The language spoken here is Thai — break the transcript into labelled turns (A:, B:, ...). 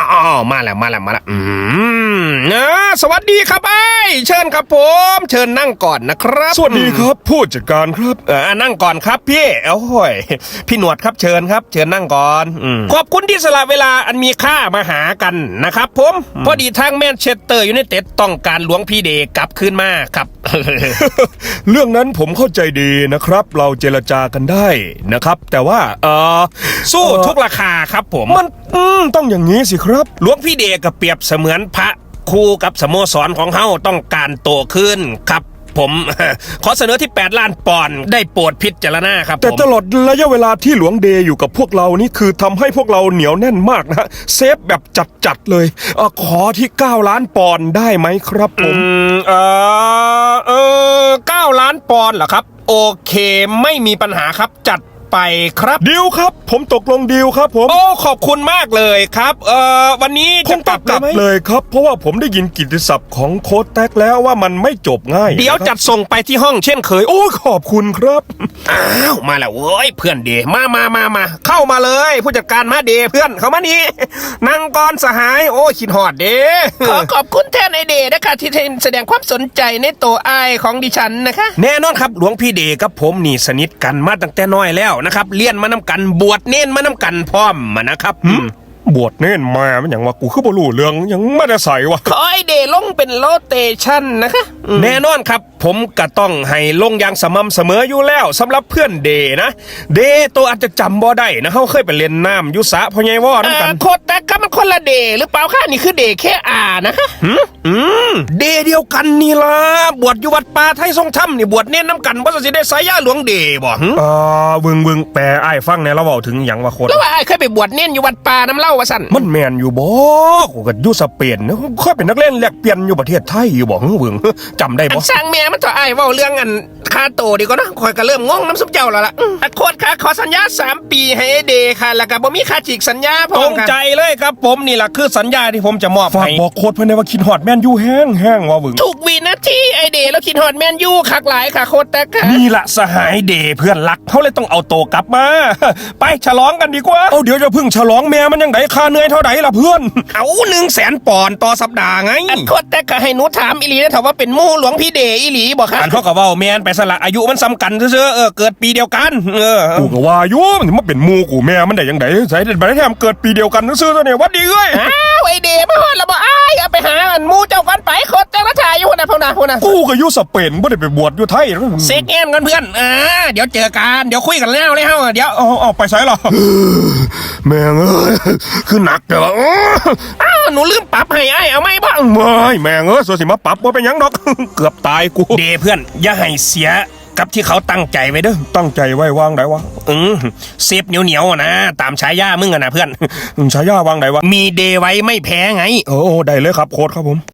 A: อ๋อมาแล้วสวัสดีครับไอ้เชิญครับผมเชิญนั่งก่อนนะครับ
B: สวัสดีครับผู้จัดการครับ
A: นั่งก่อนครับพี่โอ้ยพี่หนวดครับเชิญครับเชิญนั่งก่อนขอบคุณที่สละเวลาอันมีค่ามาหากันนะครับผมพอดีทางแมนเชสเตอร์ยูไนเต็ดต้องการหลวงพี่เดกลับคืนมาครับ
B: เรื่องนั้นผมเข้าใจดีนะครับเราเจรจากันได้นะครับแต่ว่า
A: สู้ทุกราคาครับผม
B: มันต้องอย่างนี้สิครับ
A: หลวงพี่เดกเปรียบเสมือนพระครูกับสโมสรของเฮาต้องการโตขึ้นครับผมขอเสนอที่8 ล้านปอนด์ได้โปรดพิจารณาครับ
B: แต่ตลอดระยะเวลาที่หลวงเดอยู่กับพวกเรานี่คือทำให้พวกเราเหนียวแน่นมากนะเซฟแบบจัดเลยขอที่9 ล้านปอนด์ได้ไหมครับผม
A: 9 ล้านปอนด์เหรอครับโอเคไม่มีปัญหาครับจัดไปครับ
B: ดีลครับผมตกลงดีลครับผม
A: โอ้ขอบคุณมากเลยครับวันนี้
B: จะกลับเลยครับเพราะว่าผมได้ยินกิตติศัพท์ของโค้ชแท็กแล้วว่ามันไม่จบง่าย
A: เดี๋ยวจัดส่งไปที่ห้องเช่นเคย
B: โอ้ขอบคุณครับ
A: อ้าวมาแล้วเว้ยเพื่อนเดมาเข้ามาเลยผู้จัดการมาเดเพื่อนเข้ามานี่นั่งก่อนสหายโอ้คิดฮอดเดขอบคุณแทนไอเดนะคะที่แสดงความสนใจในตัวไอของดิฉันนะคะแน่นอนครับหลวงพี่เดกับผมนี่สนิทกันมาตั้งแต่น้อยแล้วนะครับเลี้ยนมานำกันบวชเน้นมานำกันพร้อมมานะครับ
B: บวชเน้นมามันอย่างว่ากูคือบ่รู้เรื่องยังไม่ได้ใส่วะ
A: ขอไอเดลงเป็นโรเตชั่นนะคะแน่นอนครับผมก็ต้องให้ลงอย่างสม่ำเสมออยู่แล้วสำหรับเพื่อนเดนะเดตัวอาจจะจำบ่ได้นะเขาเคยไปเล่นน้ำยุสะพ่อใหญ่ว่อนั่นกันโคตรแต่ก็มันคนละเดหรือเปล่าค่ะนี่คือเดแค่นะคะเดเดียวกันนี่ล่ะบวชอยู่วัดป่าไทยทรงธรรมนี่บวชเน้นน้ำกันว่าจะได้สายยาหลวงเดบ่
B: วึงแปลไอ้ฟังในเราเว้าถึงอย่างว่าโคตร
A: แล้วว่าไอ้เคยไปบวชเน้นอยู่วัดป่าน้ำเล่าว่าสั่น
B: มันแมนอยู่บ่กูก็อยู่สเปนนะเคยเป็นนักเล่นแลกเปลี่ยนอยู่ประเทศไทยอยู่บ่วึงจำได้บ่
A: สร้างแม่มันต่อไอ้เว้าเรื่องอันค่าโตดีกว่านะคอยก็เริ่มงงน้ำซุปเจ้าแล้วล่ะโคตรค่ะขอสัญญา3 ปีให้เดค่ะแล้วก็บ่มีค่าฉีกสัญญาพร้อมกันตรงใจเลยครับผมนี่แหละคือสัญญาที่ผมจะมอบให้
B: ฝากบอกโค้ดเพิ่นได้ว่าคิดฮอดแมนยูแห้งว่าบึง
A: ทุกวินาทีไอเดแล้วคิดฮอดแมนยูคักหลายค่ะโค้ดแต่ค่ะ
B: นี่ละสหายเดเพื่อนรักเขาเลยต้องเอาโตกลับมาไปฉลองกันดีกว่าเดี๋ยวจะพึ่งฉลองแม่มันยังไดค่าเหนื่อยเท่าไหร่ล่ะเพื่อน
A: เอา100,000 ปอนด์ต่อสัปดาห์ไงโค้ดแต่ก็ให้หนูถามอีหลีนะถามว่าเป็นมู่หลวงพี่เดอีหลีบ่ครับอันเขาก็เว้าแม่นไปสละอายุมันซ้ำกันซื่อเกิดปีเดียวกัน
B: กูก็ว่าอยู่มันมาเป็นมู่กูแม่มันได้ยังไงใส่ได้แถมเกิดปีเดียวกันซื่อตัวเนี่ยวัดดีเอ้ย
A: อ้าวไอเดมาฮอดแล้วบ่อ้ายเอาไปหาอันมู่เจ้ากันไปโค้ดแต่ละถ่ายอยู่นะพุ่นน่ะ
B: กูก็อยู่สเปนบ่ได้ไปบวชอยู่ไทย
A: เซ็กแอนกันเพื่อนเดี๋ยวเจอกันเดี๋ยวคุยกันแล้วเลยเฮาเดี๋ยว
B: เอาไปไสล่ะแม่งเอ้ยคือหนักเด้อ
A: หนูลืมปรับให้ไอ้เอาไหมบ้าง
B: ไม่แม่งเอ้ยสิมาปรับบ่เป็นหยังดอกเกือบตายกู
A: เดเพื่อนอย่าให้เสียกับที่เขาตั้งใจไว้เด้อ
B: ตั้งใจไว้วางไหนวะ
A: เซฟเหนียวนะตามฉายามึงนะเพื่อน
B: ฉายาวางไหนวะ
A: มีเดไว้ไม่แพ้ไง
B: โอ้ได้เลยครับโค้ดครับผม